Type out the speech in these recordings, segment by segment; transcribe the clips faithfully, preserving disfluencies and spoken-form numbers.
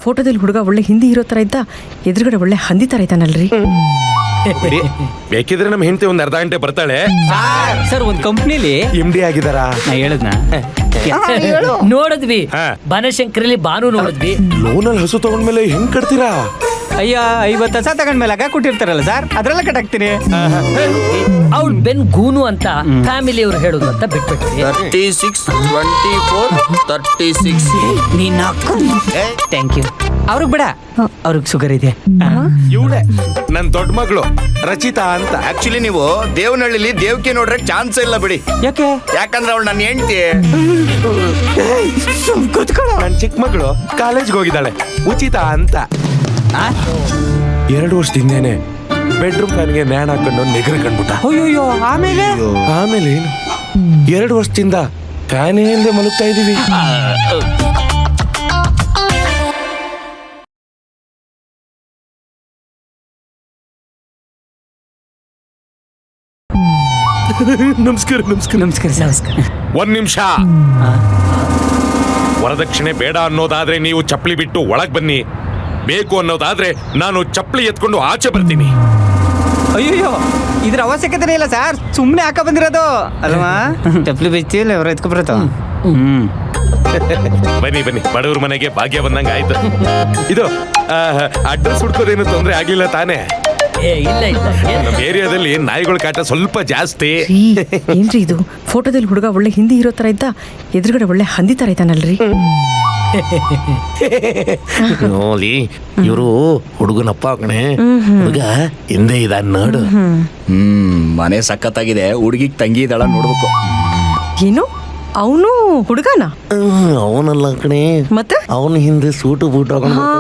ಫೋಟೋದಲ್ಲಿ ಹುಡುಗ ಒಳ್ಳೆ ಹಿಂದಿ ಹೀರೋ ತರ ಇದ್ದ, ಎದುರುಗಡೆ ಒಳ್ಳೆ ಹಂದಿ ತರ ಇದ್ದಾನಲ್ರಿ. ಬೇಕಿದ್ರೆ ನಮ್ಮ ಹೆಂಡತಿ ಒಂದ್ ಅರ್ಧ ಗಂಟೆ ಬರ್ತಾಳೆ. ಸರ್ ಒಂದ್ ಕಂಪ್ನಿಲಿ ಎಂ ಡಿ ಆಗಿದಾರ. ನಾ ಹೇಳದ್ನ ನೋಡಿದ್ವಿ, ಬನಶಂಕರಲ್ಲಿ ಬಾನು ನೋಡಿದ್ವಿ. ಲೋನಲ್ಲಿ ಹಸು ತಗೊಂಡ್ಮೇಲೆ ಹೆಂಗ್ ಕಟ್ತೀರಾ? ಅಯ್ಯ ಐವತ್ತು ಹಸ ತಗೊಂಡ್ಮೇಲೆ ಆಗ ಕೊಟ್ಟಿರ್ತಾರಲ್ಲ ಸರ್, ಅದ್ರೆಲ್ಲ ಕಟ್ಟಾಕ್ತೀನಿ. ಅವ್ಳು ಬೆನ್ ಗೂನು ಅಂತ ಫ್ಯಾಮಿಲಿ ಅವ್ರು ಹೇಳುದು ಅಂತ ಬಿಟ್ಬಿಟ್ರಿ. Thirty six twenty four thirty six ನೀನ್ ಥ್ಯಾಂಕ್ ಯು. ಅವ್ರಿಗೆ ಬೇಡ, ಅವ್ರಿಗೆ ಶುಗರ್ ಇದೆ. ಇವಳೆ ನನ್ ದೊಡ್ಡ ಮಗಳು ರಚಿತಾ ಅಂತ. ಆಕ್ಚುಲಿ ನೀವು ದೇವನಹಳ್ಳಿಲಿ ದೇವಕಿ ನೋಡ್ರೆ ಚಾನ್ಸ್ ಇಲ್ಲ ಬಿಡಿ. ಯಾಕೆ? ಯಾಕಂದ್ರೆ ಅವಳು ನನ್ನ ಹೆಂಡತಿ. ನನ್ ಚಿಕ್ಕ ಮಗಳು ಕಾಲೇಜ್ಗೆ ಹೋಗಿದ್ದಾಳೆ, ಉಚಿತ ಅಂತ. ಎರಡು ವರ್ಷದಿಂದೇನೆ ಬೆಡ್ರೂಮ್ ಫ್ಯಾನ್ಗೆ ನ್ಯಾಣ ಹಾಕೊಂಡು ನೆಗರು ಕಂಡ್ಬಿಟ್ಟ. ಅಯ್ಯೋ ಆಮೇಲೆ ಆಮೇಲೆ ಏನು, ಎರಡು ವರ್ಷದಿಂದ ಫ್ಯಾನೇ ಇಲ್ಲದೆ ಮಲಗ್ತಾ ಇದೀವಿ. ನಮಸ್ಕಾರ ನಮಸ್ಕಾರ ನಮಸ್ಕಾರ ನಮಸ್ಕಾರ. ಒಂದ್ ನಿಮಿಷ. ವರದಕ್ಷಿಣೆ ಬೇಡ ಅನ್ನೋದಾದ್ರೆ ನೀವು ಚಪ್ಪಲಿ ಬಿಟ್ಟು ಒಳಗ್ ಬನ್ನಿ, ಬೇಕು ಅನ್ನೋದಾದ್ರೆ ನಾನು ಚಪ್ಪಲಿ ಎತ್ಕೊಂಡು ಆಚೆ ಬರ್ತೀನಿ. ಅಯ್ಯೋ ಇದ್ರ ಅವಶ್ಯಕತೆ ಇಲ್ಲ ಸರ್, ಸುಮ್ಮನೆ ಹಾಕ ಬಂದಿರೋದು ಅಲ್ವಾ? ಚಪ್ಪಲಿ ಬಿಚ್ಚಿಲ್ಲ ಅವ್ರು ಎತ್ಕೊ ಬರತ್ತ. ಹ್ಮ್ ಬನ್ನಿ ಬನ್ನಿ, ಬಡವ್ರ ಮನೆಗೆ ಭಾಗ್ಯ ಬಂದಂಗ ಆಯ್ತು. ಇದು ಅಡ್ರೆಸ್ ಹುಡ್ಕೋದೇನು ತೊಂದ್ರೆ ಆಗ್ಲಿಲ್ಲ ತಾನೇ? ಏ ಇಲ್ಲ ಇಲ್ಲ, ನಮ್ಮ ಏರಿಯಾದಲ್ಲಿ ನಾಯಿಗಳ ಕಾಟ ಸ್ವಲ್ಪ ಜಾಸ್ತಿ. ಏನ್ರಿ ಇದು, ಫೋಟೋದಲ್ಲಿ ಹುಡುಗ ಒಳ್ಳೆ ಹಿಂದಿ ಹೀರೋ ತರ ಇದ್ದ, ಎದುರುಗಡೆ ಒಳ್ಳೆ ಹಂದಿ ತರ ಇದ್ದಾನಲ್ರಿ. ನೋಡಿ ಇವರು ಹುಡುಗನಪ್ಪ ಕಣೆ, ಹುಡುಗ ಹಿಂದೆ ಇದ ನೋಡು. ಹ್ಮ್ ಮನೆ ಸಖತ್ತಾಗಿದೆ, ಹುಡುಗಿಗ್ ತಂಗಿ ಇದ್ದಾಳ ನೋಡ್ಬೇಕು. ಏನು ಅವನು ಹುಡುಗನ? ಅವನಲ್ಲ ಕಣೆ, ಮತ್ತೆ ಅವನ ಹಿಂದೆ ಸೂಟು ಬೂಟ್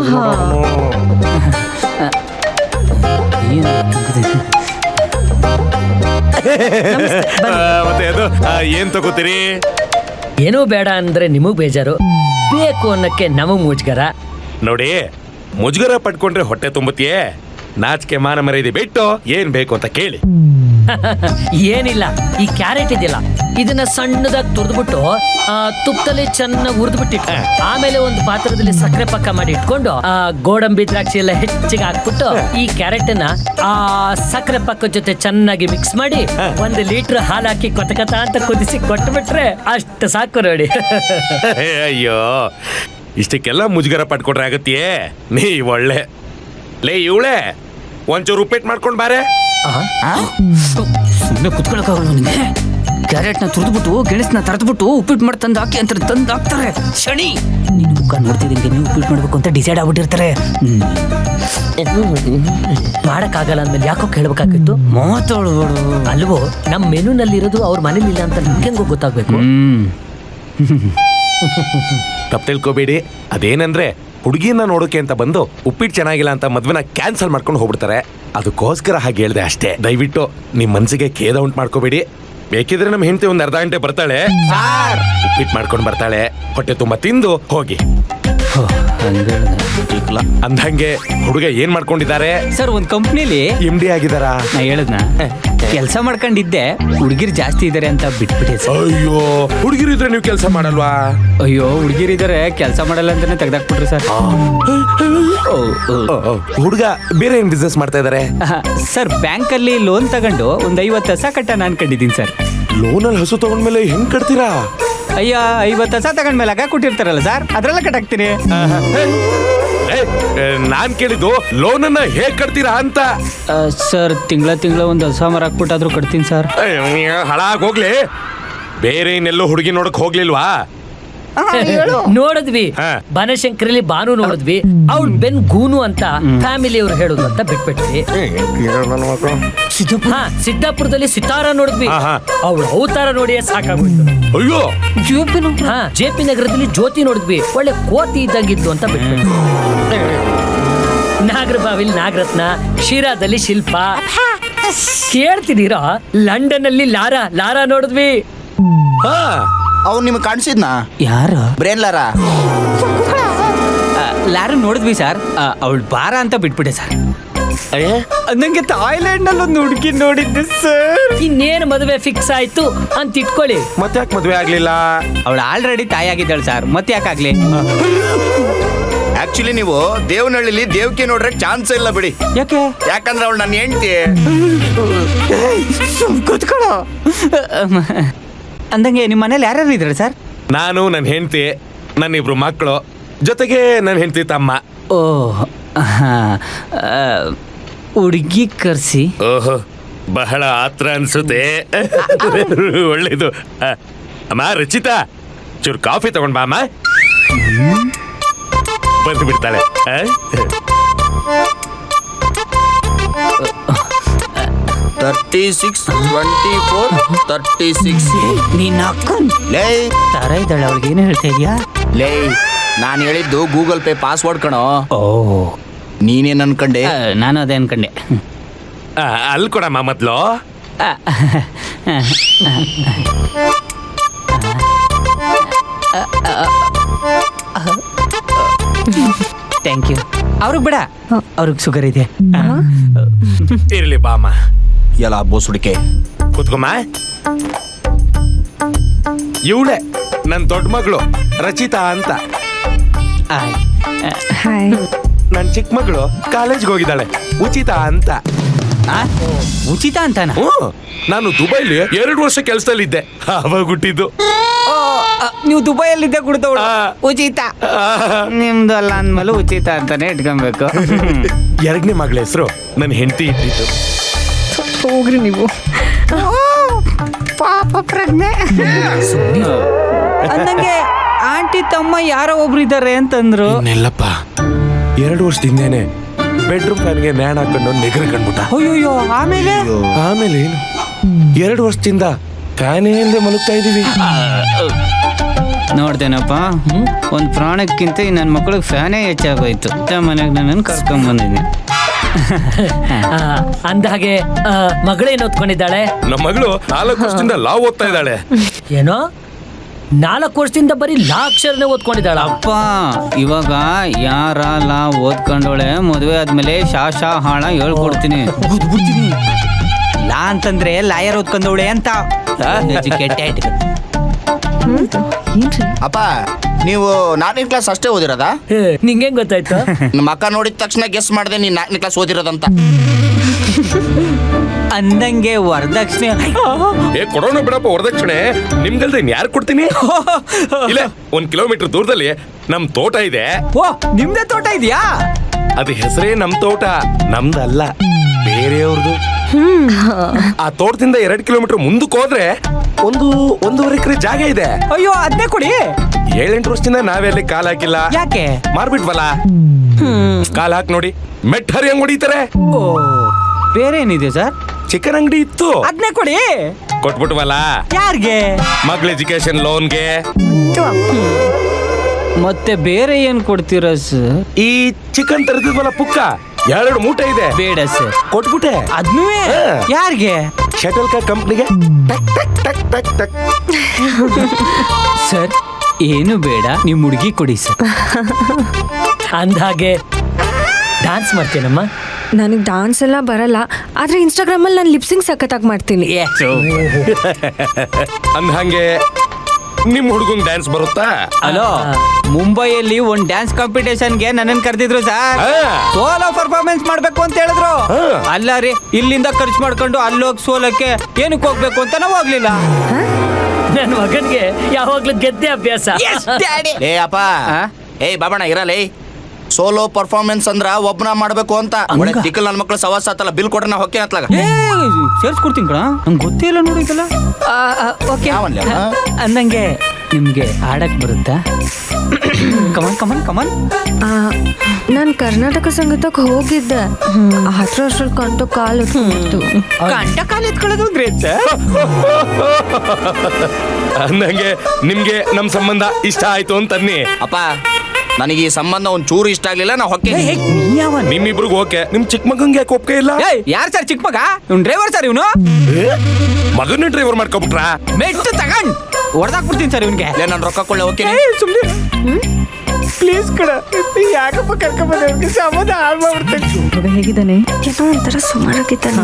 ಮತ್ತೆ ಅದು ಏನ್ ತಗೋತೀರಿ? ಏನೂ ಬೇಡ ಅಂದ್ರೆ ನಿಮಗ್ ಬೇಜಾರು, ಬೇಕು ಅನ್ನಕ್ಕೆ ನಮಗ್ ಮುಜ್ಗರ. ನೋಡಿ, ಮುಜುಗರ ಪಡ್ಕೊಂಡ್ರೆ ಹೊಟ್ಟೆ ತುಂಬುತ್ತೀಯೇ, ನಾಚಿಕೆ ಮಾನ ಮರ್ಯಾದೆ ಬಿಟ್ಟು ಏನ್ ಬೇಕು ಅಂತ ಕೇಳಿ. ಏನಿಲ್ಲ, ಈ ಕ್ಯಾರೆಟ್ ಇದೆಯಲ್ಲ ಇದನ್ನ ಸಣ್ಣದಾಗಿ ತುರ್ದ್ಬಿಟ್ಟು ತುಪ್ಪದಲ್ಲಿ ಚೆನ್ನಾಗಿ ಹುರಿದ್ಬಿಟ್ಟಿಟ್ಟು, ಆಮೇಲೆ ಒಂದು ಪಾತ್ರದಲ್ಲಿ ಸಕ್ಕರೆ ಪಕ್ಕ ಮಾಡಿ ಇಟ್ಕೊಂಡು ಆ ಗೋಡಂಬಿ ದ್ರಾಕ್ಷಿ ಎಲ್ಲ ಹೆಚ್ಚಿಗೆ ಹಾಕ್ಬಿಟ್ಟು ಈ ಕ್ಯಾರೆಟ್ ಅನ್ನ ಆ ಸಕ್ಕರೆ ಪಕ್ಕ ಜೊತೆ ಚೆನ್ನಾಗಿ ಮಿಕ್ಸ್ ಮಾಡಿ ಒಂದು ಲೀಟರ್ ಹಾಲು ಹಾಕಿ ಕೊತ ಕೊತ ಅಂತ ಕುದಿಸಿ ಕೊಟ್ಬಿಟ್ರೆ ಅಷ್ಟು ಸಾಕು ನೋಡಿ. ಅಯ್ಯೋ, ಇಷ್ಟಕ್ಕೆಲ್ಲ ಮುಜುಗರ ಪಡ್ಕೊಂಡ್ರೆ ಆಗತ್ತೀಯೇ? ನೀ ಒಳ್ಳೆ ಲೇ ಇವಳೆ, ಒಂಚೂರು ಉಪ್ಪಿಟ್ಟು ಮಾಡ್ಕೊಂಡ್ ಬಾರೆ. ಸುಮ್ಮನೆ ಕುತ್ಕೊಳಕ್ಕಾಗಲ್ಲ ನಿಮಗೆ. ಕ್ಯಾರೆಟ್ನ ತುರಿದ್ಬಿಟ್ಟು ಗೆಣಸನ್ನ ತರದ್ಬಿಟ್ಟು ಉಪ್ಪಿಟ್ಟು ಮಾಡಿ ತಂದು ಹಾಕಿ ಅಂತ ತಂದು ಹಾಕ್ತಾರೆ. ಶನಿ ನಿನ್ನ ಮುಖ ನೋಡ್ತಿದ್ದಂಗೆ ನೀವು ಉಪ್ಪಿಟ್ಟು ಮಾಡ್ಬೇಕು ಅಂತ ಡಿಸೈಡ್ ಆಗ್ಬಿಟ್ಟಿರ್ತಾರೆ. ಮಾಡಕ್ಕಾಗಲ್ಲ ಅಂದ್ಮೇಲೆ ಯಾಕೋ ಕೇಳ್ಬೇಕಾಗಿತ್ತು. ಮಾತಾಡ್ಬೇಡು ಅಲ್ವೋ, ನಮ್ಮ ಮೆನುನಲ್ಲಿರೋದು ಅವ್ರ ಮನೇಲಿ ಇಲ್ಲ ಅಂತ ನಿಮ್ಗೆ ಹೆಂಗೋ ಗೊತ್ತಾಗ್ಬೇಕು. ಹ್ಮ್ ತಪ್ಪು ತಿಳ್ಕೊಬೇಡಿ. ಅದೇನಂದ್ರೆ ಹುಡುಗಿನ ನೋಡೋಕೆ ಅಂತ ಬಂದು ಉಪ್ಪಿಟ್ಟು ಚೆನ್ನಾಗಿಲ್ಲ ಅಂತ ಮದ್ವೆನ ಕ್ಯಾನ್ಸಲ್ ಮಾಡ್ಕೊಂಡು ಹೋಗ್ಬಿಡ್ತಾರೆ. ಅದಕ್ಕೋಸ್ಕರ ಹಾಗೆ ಹೇಳ್ದೆ ಅಷ್ಟೇ. ದಯವಿಟ್ಟು ನಿಮ್ ಮನ್ಸಿಗೆ ಖೇದ ಉಂಟು ಮಾಡ್ಕೋಬೇಡಿ. ಬೇಕಿದ್ರೆ ನಮ್ಮ ಹೆಂಡತಿ ಒಂದ್ ಅರ್ಧ ಗಂಟೆ ಬರ್ತಾಳೆ, ಉಪ್ಪಿಟ್ಟು ಮಾಡ್ಕೊಂಡು ಬರ್ತಾಳೆ. ಹೊಟ್ಟೆ ತುಂಬಾ ತಿಂದು ಹೋಗಿ. ಅಂದಂಗೆ ಹುಡುಗ ಏನ್ ಮಾಡ್ಕೊಂಡಿದ್ದಾರೆ? ಸರ್ ಒಂದ್ ಕಂಪ್ನಿಲಿ ಎಂ ಡಿ ಆಗಿದಾರ. ನಾ ಹೇಳದ್ನ ಕೆಲಸ ಮಾಡ್ಕೊಂಡಿದ್ದೆ, ಹುಡುಗಿರ್ ಜಾಸ್ತಿ ಇದಾರೆ ಅಂತ ಬಿಟ್ಬಿಟ್ಟೆ ಸರ್. ಅಯ್ಯೋ, ಹುಡುಗಿರಿದ್ರೆ ನೀವು ಕೆಲಸ ಮಾಡಲ್ವಾ? ಅಯ್ಯೋ ಹುಡುಗಿರಿದ್ದಾರೆ ಕೆಲಸ ಮಾಡಲ್ಲ ಅಂತಾನೆ ತೆಗ್ದಾಕ್ಬಿಟ್ರಿ ಸರ್. ಹುಡುಗ ಬೇರೆ ಏನ್ ಬಿಸ್ನೆಸ್ ಮಾಡ್ತಾ ಇದಾರೆ? ಸರ್ ಬ್ಯಾಂಕ್ ಅಲ್ಲಿ ಲೋನ್ ತಗೊಂಡು ಒಂದ್ ಐವತ್ತು ಹಸ ಕಟ್ಟ ಅನ್ಕೊಂಡಿದ್ದೀನಿ ಸರ್. ಲೋನಲ್ಲಿ ಹಸು ತಗೊಂಡ್ಮೇಲೆ ಹೆಂಗ್ ಕಟ್ತೀರಾ? ಅಯ್ಯ ಐವತ್ತು ಹಸ ತಗೊಂಡ್ಮೇಲೆ ಆಗ ಕೊಟ್ಟಿರ್ತಾರಲ್ಲ ಸರ್, ಅದ್ರೆಲ್ಲ ಕಟ್ಟಾಕ್ತೀನಿ. ನಾನ್ ಕೇಳಿದ್ದು ಲೋನನ್ನ ಹೇಗ್ ಕಟ್ತೀರಾ ಅಂತ. ಸರ್ ತಿಂಗಳ ತಿಂಗಳ ಒಂದು ಹಸ ಮರ ಹಾಕ್ಬಿಟ್ಟಾದ್ರೂ ಕಟ್ತೀನಿ ಸರ್. ಹಾಳಾಗ್ ಹೋಗ್ಲಿ, ಬೇರೆ ಇನ್ನೆಲ್ಲೋ ಹುಡುಗಿ ನೋಡಕ್ ಹೋಗ್ಲಿಲ್ವಾ? ನೋಡಿದ್ವಿ, ಬನಶಂಕರಲ್ಲಿ ಬಾನು ನೋಡಿದ್ವಿ. ಅವ್ಳು ಬೆನ್ ಗೂನು ಅಂತ ಫ್ಯಾಮಿಲಿ ಅವ್ರು ಹೇಳುದು ಅಂತ ಬಿಟ್ಬಿಟ್ವಿ. ಹಾ, ಸಿದ್ದಾಪುರದಲ್ಲಿ ಸಿತಾರ ನೋಡಿದ್ವಿ. ಅವಳು ಅವತಾರ ನೋಡಿಯೇ ಸಾಕಾಗೋಯ್ತು. ಅಯ್ಯೋ, ಹಾ, ಜೆ ಪಿ ನಗರದಲ್ಲಿ ಜ್ಯೋತಿ ನೋಡಿದ್ವಿ, ಒಳ್ಳೆ ಕೋತಿ ಇದ್ದಂಗಿದ್ಲು ಅಂತ ಬಿಟ್ಬಿಟ್ವಿ. ನಾಗರಬಾವಿಲಿ ನಾಗರತ್ನ, ಶಿರಾದಲ್ಲಿ ಶಿಲ್ಪ. ಕೇಳ್ತಿದ್ದೀರಾ, ಲಂಡನ್ ಅಲ್ಲಿ ಲಾರಾ ಲಾರಾ ನೋಡಿದ್ವಿ. ಹಾ, ಅವ್ನು ನಿಮ್ಗೆ ಕಾಣಿಸಿದ್ನಾ? ಯಾರು? Brain Lara. ಲಾರು ನೋಡಿದ್ವಿ ಸರ್, ಅವಳು ಬಾರ ಅಂತ ಬಿಟ್ಬಿಟ್ಟೆ ಸರ್. ನಂಗೆ ಥಾಯ್ಲೆಂಡ್ ನಲ್ಲಿ ಒಂದು ಹುಡುಗಿ ನೋಡಿದ್ದೆ ಸರ್. ಇನ್ನೇನು ಮದುವೆ ಫಿಕ್ಸ್ ಆಯ್ತು ಅಂತ ಇಟ್ಕೊಳ್ಳಿ. ಮತ್ತೆ ಯಾಕೆ ಮದ್ವೆ ಆಗ್ಲಿಲ್ಲ? ಅವಳು ಆಲ್ರೆಡಿ ತಾಯಿ ಆಗಿದ್ದಾಳೆ ಸರ್, ಮತ್ತೆ ಯಾಕಾಗ್ಲಿ? ಆಕ್ಚುಲಿ ನೀವು ದೇವನಹಳ್ಳಿಲಿ ದೇವಕ್ಕೆ ನೋಡ್ರೆ ಚಾನ್ಸ್ ಇಲ್ಲ ಬಿಡಿ. ಯಾಕೆ ಯಾಕಂದ್ರೆ ಅವಳು ನನ್ನ ಹೆಂಡತಿ. ಕೂತ್ಕೊಳ್ಳೋ. ಅಂದಂಗೆ ನಿಮ್ಮ ಮನೇಲಿ ಯಾರ್ಯಾರು ಇದ್ದಾರೆ ಸರ್? ನಾನು ನನ್ನ ಹೆಂಡತಿ, ನನ್ನಿಬ್ರು ಮಕ್ಕಳು, ಜೊತೆಗೆ ನನ್ನ ಹೆಂಡತಿ ತಮ್ಮ. ಓ ಹುಡುಗಿ ಕರ್ಸಿ. ಓಹೋ, ಬಹಳ ಆತ್ರ ಅನ್ಸುತ್ತೆ. ಒಳ್ಳೇದು. ಆ, ಅಮ್ಮ ರಚಿತಾ, ಚೂರು ಕಾಫಿ ತಗೊಂಡ್ ಬಾ ಅಮ್ಮ. ಬಂದು ಬಿಡ್ತಾಳೆ. ಆ? Thirty six twenty four thirty six ನೀನ್ ಅಕ್ಕನ್ ಲೇ ತರ ಇದ್ದಾಳೆ, ಅವಳಿಗೆ ಏನು ಹೇಳ್ತಾ ಇದೀಯಾ? ಲೇ ನಾನು ಹೇಳಿದ್ದು ಗೂಗಲ್ ಪೇ ಪಾಸ್ವರ್ಡ್ ಕಣೋ. ಓ ನೀನೇನ್ ಅನ್ಕಂಡೆ? ಆ, ನಾನು ಅದೇ ಅನ್ಕಂಡೆ. ಆ, ಅಲ್ಲಿ ಕೊಡಮ್ಮ ಮೊದ್ಲು. Thank you. ಅವ್ರಿಗೆ ಬೇಡ, ಅವ್ರಿಗೆ ಶುಗರ್ ಇದೆ. ಇರ್ಲಿ ಬಾ ಅಮ್ಮ. ಎಲ್ಲ ಬೋಸುಡಿಕೆ. ಕೂತ್ಕೊಮ್ಮ. ಇವಳೆ ನನ್ನ ದೊಡ್ಡ ಮಗಳು ರಚಿತಾ ಅಂತ. ಆಯ್. ನನ್ನ ಚಿಕ್ಕ ಮಗಳು ಕಾಲೇಜ್ಗೆ ಹೋಗಿದ್ದಾಳೆ, ಉಚಿತ ಅಂತ. ಆ? ಉಚಿತ ಅಂತಾನ? ಹ್ಞೂ, ನಾನು ದುಬೈಲಿ ಎರಡು ವರ್ಷ ಕೆಲಸದಲ್ಲಿದ್ದೆ, ಅವಾಗ ಹುಟ್ಟಿದ್ದು. ನೀವು ದುಬೈಯಲ್ಲಿದ್ದೆ ಕುಡ್ತವಳು ಆ. ಉಚಿತ. ನಿಮ್ದು ಅಲ್ಲ ಅಂದ್ಮೇಲೆ ಉಚಿತ ಅಂತಾನೆ ಇಟ್ಕೊಬೇಕು. ಎರಡನೇ ಮಗಳ ಹೆಸರು ನನ್ನ ಹೆಂಡತಿ ಇಟ್ಟಿದ್ದು. ಹೋಗ್ರಿ ನೀವು. ಪಾಪ ಪ್ರಜ್ಞೆ. ಅಂದಂಗೆ ಆಂಟಿ ತಮ್ಮ ಯಾರೋ ಒಬ್ರು ಇದ್ದಾರೆ ಅಂತಂದ್ರು. ಇನ್ನೆಲ್ಲಪ್ಪ, ಎರಡು ವರ್ಷದಿಂದೇನೆ ಬೆಡ್ರೂಮ್ ಫ್ಯಾನ್ಗೆ ನ್ಯಾಣ ಹಾಕೊಂಡು ನೆಗರು ಕಂಡ್ಬಿಟ್ಟ. ಅಯ್ಯೋ ಆಮೇಲೆ ಆಮೇಲೆ ಏನು, ಎರಡು ವರ್ಷದಿಂದ ಫ್ಯಾನೇ ಇಲ್ಲದೆ ಮಲಗ್ತಾ ಇದೀವಿ. ನೋಡ್ತೇನಪ್ಪ, ಒಂದ್ ಪ್ರಾಣಕ್ಕಿಂತ ನನ್ನ ಮಕ್ಕಳಿಗೆ ಫ್ಯಾನೇ ಹೆಚ್ಚಾಗೋಯ್ತು. ಮನೆಗೆ ನನ್ನನ್ನು ಕರ್ಕೊಂಡ್ ಬಂದಿದ್ದೀನಿ. ಅಂದ ಹಾಗೆ ಆ, ಮಗಳೇನು ಓದ್ಕೊಂಡಿದ್ದಾಳೆ? ನಮ್ಮ ಮಗಳು ನಾಲ್ಕು ವರ್ಷದಿಂದ ಲಾ ಓದ್ತಾ ಇದ್ದಾಳೆ. ಏನೋ ನಾಲ್ಕು ವರ್ಷದಿಂದ ಬರೀ ಲಾ ಅಕ್ಷರನೇ ಓದ್ಕೊಂಡಿದ್ದಾಳ. ಅಪ್ಪ ಇವಾಗ ಯಾರ ಲಾ ಓದ್ಕೊಂಡೋಳೆ ಮದುವೆ ಆದ್ಮೇಲೆ ಶಾ ಶಾ ಹಾಳ ಹೇಳ್ಕೊಡ್ತೀನಿ. ಗುದ್ಬಿಡ್ತೀನಿ. ಲಾ ಅಂತಂದ್ರೆ ಲಾಯರ್ ಓದ್ಕೊಂಡವಳೆ ಅಂತ. ಎಜುಕೇಟೆಡ್. ಅಪ್ಪ ನೀವು ನಾಲ್ಕನೇ ಕ್ಲಾಸ್ ಅಷ್ಟೇ ಓದಿರೋದಾ? ನಿಂಗೆ ಗೊತ್ತಾಯ್ತು? ನಮ್ಮ ಅಕ್ಕ ನೋಡಿದ ತಕ್ಷಣ ಗೆಸ್ ಮಾಡಿದೆ ನೀನ್ ನಾಲ್ಕನೇ ಕ್ಲಾಸ್ ಓದಿರೋದಂತ. ಅಂದಂಗೆ ವರದಕ್ಷಿಣೆ ಏ ಕೊಡೋಣ ಬಿಡಪ್ಪ ವರದಕ್ಷಿಣೆ, ನಿಮ್ಗಲ್ದೆ ಯಾರು ಕೊಡ್ತೀನಿ? ಇಲ್ಲ, ಒಂದ್ ಕಿಲೋಮೀಟರ್ ದೂರದಲ್ಲಿ ನಮ್ ತೋಟ ಇದೆ. ಓ ನಿಮ್ದೇ ತೋಟ ಇದೆಯಾ? ಅದು ಹೆಸರೇ ನಮ್ ತೋಟ, ನಮ್ದಲ್ಲ, ಬೇರೆಯವ್ರದು. ಆ ತೋಟದಿಂದ ಎರಡ್ ಕಿಲೋಮೀಟರ್ ಮುಂದಕ್ಕೆ ಹೋದ್ರೆ ಒಂದು ಒಂದೂವರೆ ಎಕರೆ ಜಾಗ ಇದೆ. ಅಯ್ಯೋ ಅದನ್ನೇ ಕೊಡಿ. ಏಳೆಂಟು ವರ್ಷದಿಂದ ನಾವೇ ಅಲ್ಲಿ ಕಾಲ್ ಹಾಕಿಲ್ಲ. ಯಾಕೆ? ಮಾರ್ಬಿಟ್ವಲ್ಲ. ಕಾಲ್ ಹಾಕಿ ನೋಡಿ, ಮೆಟ್ ಹರಿಯಂಗ್ ಹೊಡಿತಾರೆ. ಓ ಬೇರೆ ಏನಿದೆ ಸರ್? ಚಿಕನ್ ಅಂಗಡಿ ಇತ್ತು, ಅದನ್ನೇ ಕೊಡಿ. ಕೊಟ್ಬಿಟ್ವಲ್ಲ. ಯಾರಿಗೆ? ಮಗಳ ಎಜುಕೇಶನ್ ಲೋನ್ಗೆ. ಮತ್ತೆ ಬೇರೆ ಏನ್ ಕೊಡ್ತೀರಾ ಸರ್? ಈ ಚಿಕನ್ ತರದಿದ್ವಲ್ಲ ಪುಕ್ಕ, ಎರಡು ಮೂಟೆ ಇದೆ, ಬೇಡ ಸರ್. ಕೊಟ್ಬಿಟ್ಟೆ. ಅದ್ನೂ ಯಾರಿಗೆ? ಶಟಲ್ ಕಾಕ್ ಕಂಪ್ನಿಗೆ. ಟಕ್ ಟಕ್ ಟಕ್. ಸರ್ ಏನು ಬೇಡ, ನಿಮ್ ಹುಡುಗಿ ಕೊಡಿ ಸರ್. ಅಂದ ಹಾಗೆ ಡಾನ್ಸ್ ಮಾಡ್ತೀನಮ್ಮ? ನನಗೆ ಡಾನ್ಸ್ ಎಲ್ಲ ಬರಲ್ಲ, ಆದ್ರೆ ಇನ್ಸ್ಟಾಗ್ರಾಮ್ ಅಲ್ಲಿ ನಾನು ಲಿಪ್ಸಿಂಗ್ ಸಖತ್ತಾಗಿ ಮಾಡ್ತೀನಿ. ಅಂದ ಹಂಗೆ ನಿಮ್ ಹುಡುಗಂಗ್ ಡ್ಯಾನ್ಸ್ ಬರುತ್ತಾ? ಹಲೋ, ಮುಂಬೈಯಲ್ಲಿ ಒಂದ್ ಡ್ಯಾನ್ಸ್ ಕಾಂಪಿಟೇಷನ್ಗೆ ನನ್ನನ್ನು ಕರೆದಿದ್ರು ಸರ್. ಹಾ. ಸೋಲೋ ಪರ್ಫಾರ್ಮೆನ್ಸ್ ಮಾಡ್ಬೇಕು ಅಂತ ಹೇಳಿದ್ರು. ಹಾ. ಅಲ್ಲ ರೀ, ಇಲ್ಲಿಂದ ಖರ್ಚು ಮಾಡ್ಕೊಂಡು ಅಲ್ಲೋಗಿ ಸೋಲಕ್ಕೆ ಏನಕ್ಕೆ ಹೋಗ್ಬೇಕು ಅಂತ ನಾವು ಹೋಗ್ಲಿಲ್ಲ. ನನ್ನ ಮಗನ್ಗೆ ಯಾವಾಗ್ಲೂ ಗೆದ್ದೆ ಅಭ್ಯಾಸ. ಏ ಅಪ್ಪ, ಆ? ಏಯ್ ಬಾಬಣ್ಣ ಇರಲೇ. ಸೋಲೋ ಪರ್ಫಾರ್ಮೆನ್ಸ್ ಅಂದ್ರ ಒಬ್ನ ಮಾಡ್ಬೇಕು ಅಂತ. ಒಳ್ಳೆ ತಿಕ್ಕಲ್ ನನ್ನ ಮಕ್ಳು ಸವಾಸ ಆತಲ್ಲ, ಬಿಲ್ ಕೊಡ್ರ ನಾ ಹೊಕ್ಕೆ ಹತ್ಲಾಗ ಸೇರ್ಸ್ಕೊಡ್ತೀನಿ ಕಣ, ನಂಗೆ ಗೊತ್ತೇ ಇಲ್ಲ ನೋಡಿದಲ್ಲ. ಓಕೆ ಯಾವನ್ಲೆ ಅವ? ಅಂದಂಗೆ ನಿಮ್ಗೆ ಆಡಕ್ ಬರುತ್ತಾ? Come on come on come on. ನಾನು ಕರ್ನಾಟಕ ಸಂಗೀತಕ್ಕೆ ಹೋಗಿದ್ದೆ, ಹತ್ರ ವರ್ಷದಲ್ಲಿ ಕಂಟು ಕಾಲು ಹೊತ್ಕೊಂಡ್ಬಿಡ್ತು. ಕಂಟ ಕಾಲ ಎತ್ಕೊಳ್ಳೋದು ಗ್ರೇಟ್ ಸರ್. ಅಂದಂಗೆ ನಿಮ್ಗೆ ನಮ್ ಸಂಬಂಧ ಇಷ್ಟ ಆಯ್ತು ಅಂತನ್ನಿ. ಅಪ್ಪ ನನಗೆ ಈ ಸಂಬಂಧ ಒಂದ್ ಚೂರು ಇಷ್ಟ ಆಗ್ಲಿಲ್ಲ, ನಾ ಹೊಕ್ಕೆ. ನಿಮ್ಮಿಬ್ರಿಗೆ ಓಕೆ, ನಿಮ್ ಚಿಕ್ಕ ಮಗಂಗೆ ಯಾಕೆ ಒಪ್ಪಿಗೆ ಇಲ್ಲ? ಯಾರು ಸರ್ ಚಿಕ್ಕ ಮಗ? ಇವ್ನು ಡ್ರೈವರ್ ಸರ್ ಇವನು. ಮಗನ್ನೇ ಡ್ರೈವರ್ ಮಾಡ್ಕೊಬಿಟ್ರ? ಮೆಟ್ಟು ತಗೊಂಡ್ ಹೊಡೆದಾಕ್ಬಿಡ್ತೀನಿ ಸರ್ ಇವನ್ಗೆ. ನಾನು ರೊಕ್ಕ ಕೊಳ್ಳೆ ಓಕೆ. ಸುಮ್ಮನೆ ಪ್ಲೀಸ್ ಕಡ, ಯಾಕಪ್ಪ ಕರ್ಕೊಂಬಂದ ಅವ್ರಿಗೆ ಸಂಬಂಧ ಹಾಳು ಮಾಡ್ಬಿಡ್ತೇನೆ. ಹುಡುಗ ಹೇಗಿದ್ದಾನೆ? ಏನೋ ಒಂಥರ ಸುಮಾರಾಗಿದ್ದಾನೆ.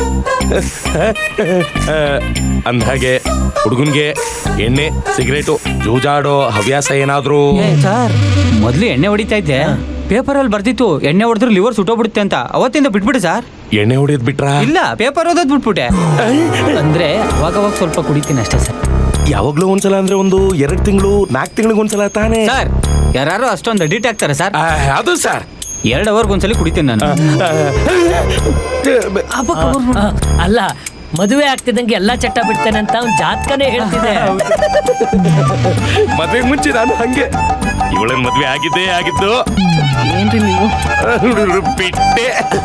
ಅಂದ್ಹಾಗೆ ಹುಡುಗನ್ಗೆ ಎಣ್ಣೆ ಸಿಗರೇಟು ಜೂಜಾಡೋ ಹವ್ಯಾಸ ಏನಾದ್ರು? ಸರ್ ಮೊದ್ಲು ಎಣ್ಣೆ ಹೊಡಿತಾ ಇದ್ದೆ, ಪೇಪರಲ್ಲಿ ಬರ್ದಿತ್ತು ಎಣ್ಣೆ ಹೊಡೆದ್ರೆ ಲಿವರ್ ಸುಟ್ಟೋಗ್ಬಿಡುತ್ತೆ ಅಂತ. ಅವತ್ತಿಂದ ಬಿಟ್ಬಿಡಿ ಸರ್. ಎಣ್ಣೆ ಹೊಡೆಯೋದ್ ಬಿಟ್ರಾ? ಇಲ್ಲ, ಪೇಪರ್ ಓದೋದ್ ಬಿಟ್ಬಿಟ್ಟೆ. ಅಂದ್ರೆ ಅವಾಗ ಅವಾಗ ಸ್ವಲ್ಪ ಕುಡಿತೀನಿ ಅಷ್ಟೇ ಸರ್. ಯಾವಾಗ್ಲೂ ಒಂದ್ಸಲ ಅಂದ್ರೆ ಒಂದು ಎರಡ್ ತಿಂಗಳು ನಾಲ್ಕು ತಿಂಗಳಿಗೆ ಒಂದ್ಸಲ ತಾನೇ ಸರ್ ಯಾರು ಅಷ್ಟೊಂದು ಅಡಿಟ್ ಆಗ್ತಾರೆ ಸರ್? ಆ, ಅದು ಸರ್ ಎರಡು ಅವರ್ಗೆ ಒಂದ್ಸಲಿ ಕುಡಿತೀನಿ ನಾನು. ಆ, ಅಲ್ಲ ಮದುವೆ ಆಗ್ತಿದ್ದಂಗೆ ಎಲ್ಲಾ ಚಟ್ಟ ಬಿಡ್ತೇನೆ ಅಂತ ಅವ್ನ್ ಜಾತಕನೇ ಹೇಳ್ತಿದೆ. ಮದ್ವೆಗೆ ಮುಂಚೆ ನಾನು ಹಂಗೆ ಇವಳನ್ ಮದ್ವೆ ಆಗಿದ್ದೇ ಆಗಿದ್ದು. ಏನ್ರಿ ನೀವು? ಬಿಟ್ಟೆ.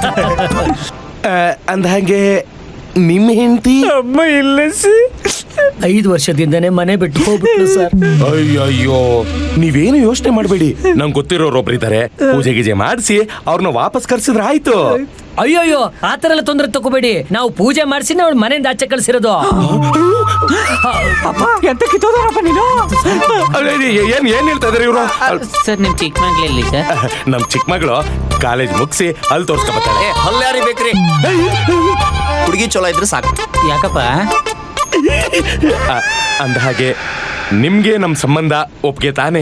ಅಂದ ಹಾಗೆ ನಿಮ್ಮ ಹೆಂಡತಿ ಅಮ್ಮ ಇಲ್ಲ ಸಿ. ಐದು ವರ್ಷದಿಂದನೇ ಮನೆ ಬಿಟ್ಟು ಹೋಗ್ಬಿಟ್ಲು ಸರ್. ಅಯ್ಯಯ್ಯೋ ನೀವೇನು ಯೋಚನೆ ಮಾಡಬೇಡಿ, ನಂಗೆ ಗೊತ್ತಿರೋರೊಬ್ರು ಇದ್ದಾರೆ. ಪೂಜೆ ಗೀಜೆ ಮಾಡಿಸಿ ಅವ್ರನ್ನ ವಾಪಸ್ ಕರ್ಸಿದ್ರೆ ಆಯ್ತು. ಅಯ್ಯೋಯ್ಯೋ ಆತರ ಎಲ್ಲ ತೊಂದ್ರೆ ತಗೋಬೇಡಿ. ನಾವು ಪೂಜೆ ಮಾಡಿಸಿ ಅವಳು ಮನೆಯಿಂದ ಆಚೆ ಕಳ್ಸಿರೋದು. ಎಂತ ಕಿತ್ತೋದಾರಪ್ಪ ನೀನು? ಏನ್ ಏನ್ ಹೇಳ್ತಾ ಇದಾರೆ ಇವರು? ಸರ್ ನಿಮ್ ಚಿಕ್ಕ ಮಗ್ಳಲ್ಲಿ ಸರ್? ನಮ್ ಚಿಕ್ಕ ಮಗಳು ಕಾಲೇಜ್ ಮುಗಿಸಿ ಅಲ್ಲಿ ತೋರ್ಸ್ಕೊಬತ್ತಾಳೆ. ಏ ಹಲ್ಲು ಯಾರಿಗೆ ಬೇಕ್ರಿ? ಹುಡುಗಿ ಚಲೋ ಇದ್ರೆ ಸಾಕು. ಯಾಕಪ್ಪ? ಅಂದ ಹಾಗೆ ನಿಮ್ಗೆ ನಮ್ ಸಂಬಂಧ ಒಪ್ಗೆ ತಾನೆ?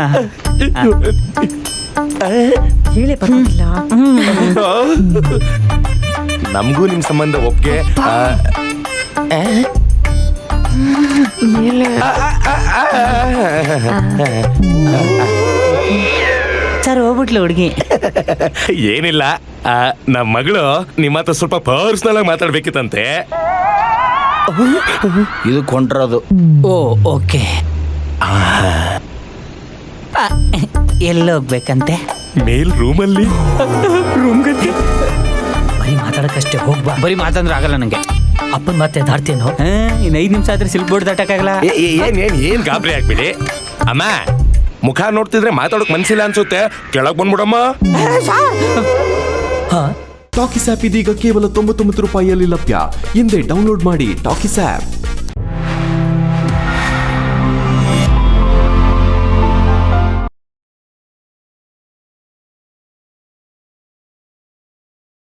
ಹೇಳೇ ಪರವಾಗಿಲ್ಲ. ನಮಗೂ ನಿಮ್ ಸಂಬಂಧ ಒಪ್ಗೆ. ಸರ್ ಹೋಗ್ಬಿಟ್ಲು ಹುಡುಗಿ. ಏನಿಲ್ಲ, ಆ, ನಮ್ ಮಗಳು ನಿಮ್ಮ ಹತ್ರ ಸ್ವಲ್ಪ ಪರ್ಸನಲ್ ಆಗಿ ಮಾತಾಡ್ಬೇಕಿತ್ತಂತೆ. ಇದು ಕೊಂಡ್ರದು. ಓ ಓಕೆ. ಎಲ್ಲಿ ಹೋಗ್ಬೇಕಂತೆ? ಮೇಲ್ ರೂಮಲ್ಲಿ. ಬರೀ ಮಾತಾಡಕ್ಕಷ್ಟೇ ಹೋಗ್ಬಾ. ಬರೀ ಮಾತಂದ್ರೆ ಆಗಲ್ಲ ನಂಗೆ. ಅಪ್ಪನ ಮತ್ತೆ ದಾಡ್ತೇನೋ. ಇನ್ನು ಐದು ನಿಮಿಷ ಆದ್ರೆ ಸಿಲ್ಕ್ ಬೋರ್ಡ್ ದಾಟಕ್ಕಾಗಲ್ಲ. ಏ- ಏ- ಏನ್ ಏನ್ ಏನ್ ಗಾಬರಿ ಆಗ್ಬಿಡಿ ಅಮ್ಮ. ಮುಖ ನೋಡ್ತಿದ್ರೆ ಮಾತಾಡೋಕ್ ಮನ್ಸಿಲ್ಲ ಅನ್ಸುತ್ತೆ. ಕೆಳಗ್ ಬಂದ್ಬಿಡಮ್ಮ. ಹಾ ಟಾಕಿಸ್ ಆಪ್ ಇದೀಗ ಕೇವಲ ತೊಂಬತ್ತೊಂಬತ್ತು ರೂಪಾಯಿಯಲ್ಲಿ ಲಭ್ಯ. ಹಿಂದೆ ಡೌನ್ಲೋಡ್ ಮಾಡಿ ಟಾಕಿಸ್ ಆಪ್.